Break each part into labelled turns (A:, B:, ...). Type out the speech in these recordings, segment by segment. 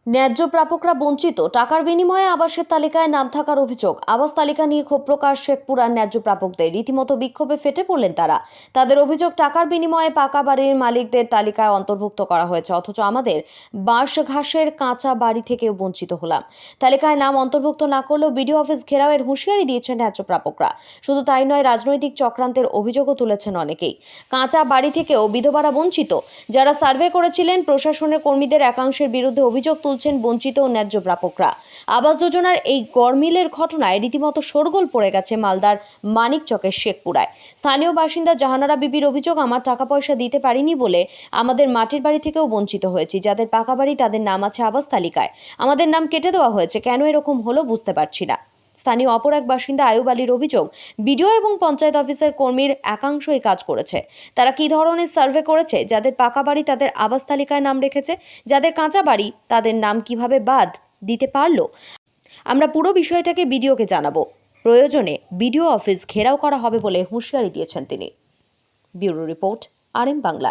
A: ন্যায্য প্রাপকরা বঞ্চিত, টাকার বিনিময়ে আবাসের তালিকায় নাম থাকার অভিযোগ। আবাস তালিকা নিয়ে ক্ষোভ প্রকাশ শেখপুরার ন্যায্য প্রাপকদের। রীতিমতো বিক্ষোভে ফেটে পড়লেন তারা। তাদের অভিযোগ, টাকার বিনিময়ে পাকা বাড়ির মালিকদের তালিকায় অন্তর্ভুক্ত করা হয়েছে, অথচ আমাদের বাঁশ ঘাসের কাঁচা বাড়ি থেকেও বঞ্চিত হলাম। তালিকায় নাম অন্তর্ভুক্ত না করলেও বিডিও অফিস ঘেরাওয়ের হুঁশিয়ারি দিয়েছেন ন্যায্য প্রাপকরা। শুধু তাই নয়, রাজনৈতিক চক্রান্তের অভিযোগও তুলেছেন অনেকেই। কাঁচা বাড়ি থেকেও বিধবারা বঞ্চিত। যারা সার্ভে করেছিলেন, প্রশাসনের কর্মীদের একাংশের বিরুদ্ধে অভিযোগ তুলছেন বঞ্চিত ও ন্যায্য প্রাপকরা। আবাস যোজনার এই গড়মিলের ঘটনায় রীতিমতো শোরগোল পড়ে গেছে মালদার মানিকচকের শেখপুরায়। স্থানীয় বাসিন্দা জাহানারা বিবির অভিযোগ, আমার টাকা পয়সা দিতে পারিনি বলে আমাদের মাটির বাড়ি থেকেও বঞ্চিত হয়েছি। যাদের পাকা বাড়ি তাদের নাম আছে আবাস তালিকায়, আমাদের নাম কেটে দেওয়া হয়েছে। কেন এরকম হলো বুঝতে পারছি না। স্থানীয় অপর এক বাসিন্দা আয়ুব আলীর অভিযোগ, বিডিও এবং পঞ্চায়েত অফিসের কর্মীর একাংশ এই কাজ করেছে। তারা কি ধরনের সার্ভে করেছে? যাদের পাকা বাড়ি তাদের আবাস তালিকায় নাম রেখেছে, যাদের কাঁচা বাড়ি তাদের নাম কিভাবে বাদ দিতে পারলো? আমরা পুরো বিষয়টাকে বিডিওকে জানাবো। প্রয়োজনে বিডিও অফিস ঘেরাও করা হবে বলে হুঁশিয়ারি দিয়েছেন তিনি। ব্যুরো রিপোর্ট, RM বাংলা।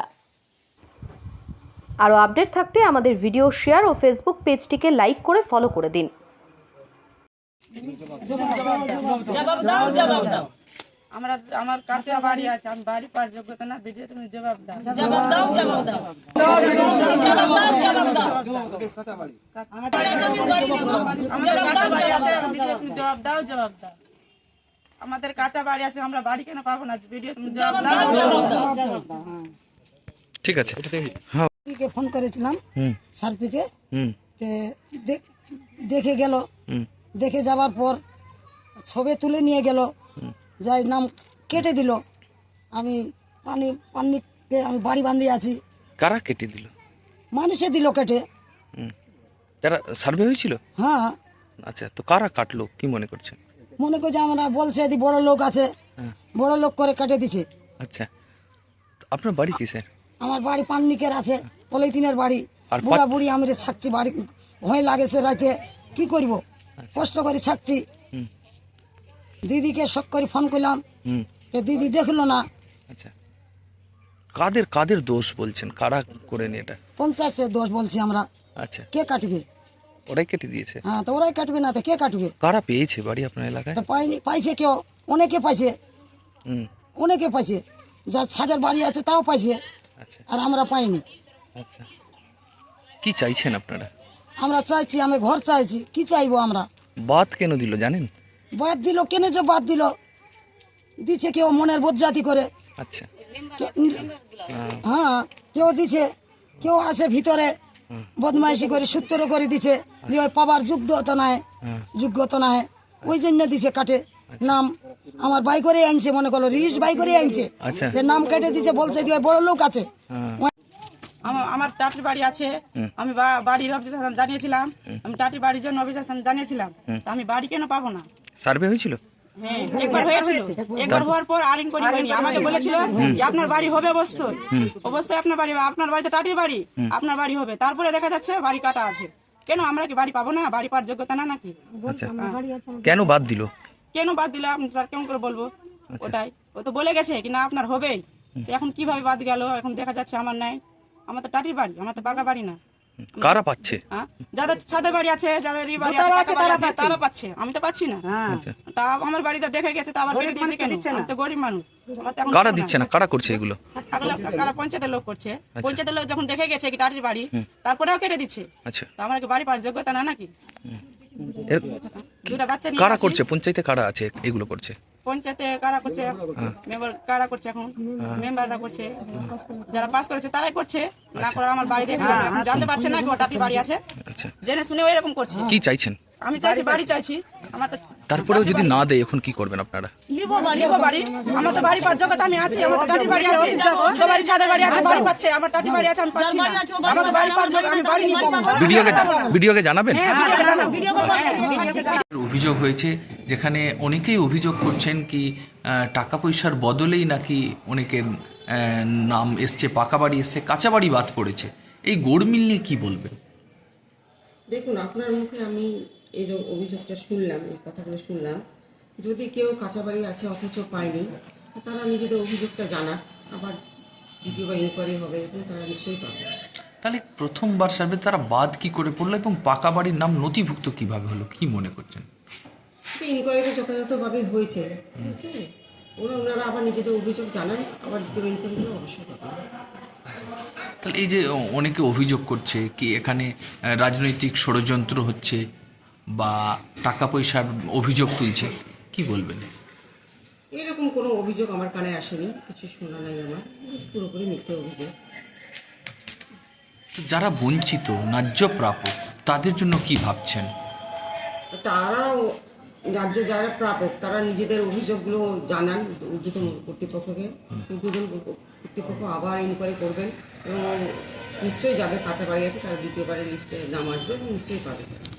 A: আরও আপডেট থাকতে আমাদের ভিডিও শেয়ার ও ফেসবুক পেজটিকে লাইক করে ফলো করে দিন।
B: আমার কাছে বাড়ি আছে, আমি বাড়ি পাওয়ার যোগ্যতা না, ভিডিও তুমি জবাব দাও। আমাদের কাঁচা বাড়ি আছে, আমরা বাড়ি কেন পাবো না? ভিডিও তুমি জবাব দাও।
C: ঠিক আছে।
D: কে ফোন করেছিলাম সার্পিকে, দেখে গেল। দেখে যাওয়ার পর ছবি তুলে নিয়ে গেল, যাই নাম কেটে দিল। আমি পানিতে আমি বাড়ি বাঁধিয়ে আছি।
C: কারা কেটে দিল?
D: মানুষে দিল কেটে।
C: তারা সার্ভে হয়েছিল?
D: হ্যাঁ।
C: আচ্ছা, তো কারা কাটলো কি মনে করছেন?
D: মনে করছে আমরা বলছে এদি বড় লোক আছে, বড় লোক করে কেটে দিছে।
C: আচ্ছা, আপনার বাড়ি কিসে?
D: আমার বাড়ি পান্নিকের আছে, পলিথিনের বাড়ি।
C: আর
D: বুড়া বুড়ি আমি থাকছি, বাড়ি ভয় লাগেছে রাতে, কি করব? কষ্ট করে থাকছি। দিদিকে শখ করে ফোন করলাম, দিদি দেখলো না।
C: আচ্ছা, কাদের কাদের দোষ বলছেন? কারা করেন এটা?
D: পঞ্চায়েতের দোষ বলছি আমরা।
C: আচ্ছা,
D: কে কাটবে?
C: ওরাই কেটে দিয়েছে?
D: হ্যাঁ, তো ওরাই কাটবে না তো কে কাটবে?
C: কারা পেয়েছে বাড়ি আপনার এলাকায়?
D: তো পাইছে কেউ, অনেকে পাইছে, অনেকে পাইছে। যার ছাদের বাড়ি আছে তাও পাইছে,
C: আচ্ছা
D: আর আমরা পাইনি।
C: আচ্ছা, কি চাইছেন আপনারা?
D: আমরা চাইছি, আমি ঘর চাইছি। কি চাইবো আমরা?
C: বাদ কেন দিল জানেন?
D: বাদ দিল কেন যে বাদ দিল? দিছে কেউ মনের বজ্জাতি করে।
C: আচ্ছা,
D: হ্যাঁ, কেউ দিছে, কেউ আছে ভিতরে বদমাইশি করে সূত্র করে দিছে, যে ওই পাবার যোগ্যতা নাই, যোগ্যতা নাই, ওই জন্য দিছে কাটে নাম। আমার বাই করে আনছে, মনে করলো রিস বাই করে আনছে,
C: আচ্ছা,
D: যে নাম কেটে দিছে, বলছে যে ওই বড় লোক আছে।
B: আমার টাটির বাড়ি আছে, আমি বাড়ির অফিসার জানিয়েছিলাম, আমি টাটির বাড়ির জন্য অফিসার জানিয়েছিলাম। তা আমি বাড়ি কেন পাবো না?
C: সার্ভে হয়েছিল?
B: হ্যাঁ, একবার হয়েছিল। একবার হওয়ার পর আর ইনকোয়ারি হয়নি। আমাকে বলেছিল যে আপনার বাড়ি হবে, অবশ্যই অবশ্যই আপনার বাড়ি, আপনার বাড়িতে টাটির বাড়ি, আপনার বাড়ি হবে। তারপরে দেখা যাচ্ছে বাড়ি কাটা আছে। কেন আমরা কি বাড়ি পাবো না? বাড়ি পাওয়ার যোগ্যতা না নাকি?
C: আচ্ছা, কেন বাদ দিল?
B: কেন বাদ দিলে আপনি স্যার কেমন করে বলবো? ওটাই, ও তো বলে গেছে কি না আপনার হবেই। এখন কিভাবে বাদ গেল? এখন দেখা যাচ্ছে আমার নাই, আমার তো টাটির বাড়ি, আমার তো পাকা বাড়ি না।
C: কারা পাচ্ছে?
B: যাদের ছাদের বাড়ি আছে, যাদের বাড়ি আছে তারা পাচ্ছে, আমি তো পাচ্ছি না। তা আমার বাড়িতে দেখে গেছে, তা আবার কেটে দিয়েছে কেন? আমি তো গরিব মানুষ।
C: কারা দিচ্ছে না? কারা করছে এগুলো?
B: কারা পঞ্চায়েতের লোক করছে। পঞ্চায়েতের লোক যখন দেখে গেছে কি টাটির বাড়ি, তারপরেও কেটে দিচ্ছে।
C: আচ্ছা,
B: তা আমার কি বাড়ি পাওয়ার যোগ্যতা না নাকি? দুটা বাচ্চা নিয়ে
C: কারা করছে? পঞ্চায়েতে কারা আছে এগুলো করছে?
B: পঞ্চায়েতে কারা করছে? মেম্বার কারা করছে? এখন মেম্বাররা করছে, যারা পাস করেছে তারাই করছে। না করে আমার বাড়ি দেখে জানতে পারছে না কি ওর টাটির বাড়ি আছে।
C: আচ্ছা,
B: জেনে শুনে এরকম করছে।
C: কি চাইছেন?
B: আমি চাইছি বাড়ি চাইছি। আমার তো
C: তারপরেও যদি না দেয় এখন কি করবেন আপনারা?
B: লিখো বাড়ি, আমার তো বাড়ি পাওয়ার যোগ্যতা আমি আছি, আমার তো টাটির বাড়ি আছে, সবারই ছাদের বাড়ি আছে, বাড়ি পাচ্ছে, আমার টাটির বাড়ি আছে, আমি পাচ্ছি না। আমার তো বাড়ি পাওয়ার যোগ্যতা, আমি বাড়ি নিব।
C: ভিডিওকে জানাবেন?
E: অভিযোগ হয়েছে, যেখানে অনেকেই অভিযোগ করছেন কি টাকা পয়সার বদলেই নাকি অনেকের নাম এসছে, পাকা বাড়ি এসছে, কাঁচা বাড়ি বাদ পড়েছে। এই গোড়মিল নিয়ে কি বলবেন?
F: দেখুন, আপনার মুখে আমি এই অভিযোগটা শুনলাম, এই কথাগুলো শুনলাম। যদি কেউ কাঁচা বাড়ি আছে অথচ পায়নি, তারা নিজেদের অভিযোগটা জানাক, আবার দ্বিতীয়বার ইনকোয়ারি হবে এবং তারা নিশ্চয়ই পাবে।
E: তাহলে প্রথমবার সার্ভে তারা বাদ কি করে পড়লো এবং পাকা বাড়ির নাম নথিভুক্ত কিভাবে হলো, কি মনে করছেন?
F: ইনকোয়ারিটা যথাযথভাবে হয়েছে, ঠিক আছে? ওনারা আবার নিজেদের অভিযোগ জানান, আবার দ্বিতীয় ইনকোয়ারিগুলো অবশ্যই পাবেন।
E: তাহলে এই যে অনেকে অভিযোগ করছে কি এখানে রাজনৈতিক ষড়যন্ত্র হচ্ছে বা টাকা পয়সার অভিযোগ তুলছে, কি বলবেন?
F: এরকম কোনো অভিযোগ আমার কানে আসেনি, কিছু শোনা নাই আমার, পুরোপুরি মিথ্যে অভিযোগ।
E: তো যারা বঞ্চিত ন্যায্য প্রাপক তাদের জন্য কি ভাবছেন?
F: তারাও রাজ্যে যারা প্রাপক তারা নিজেদের অভিযোগগুলো জানান দুজন কর্তৃপক্ষকে, দুজন কর্তৃপক্ষ আবার ইনকোয়ারি করবেন এবং নিশ্চয়ই যাদের কাঁচা বাড়ি আছে তারা দ্বিতীয়বারের লিস্টে নাম আসবে এবং নিশ্চয়ই পাবে।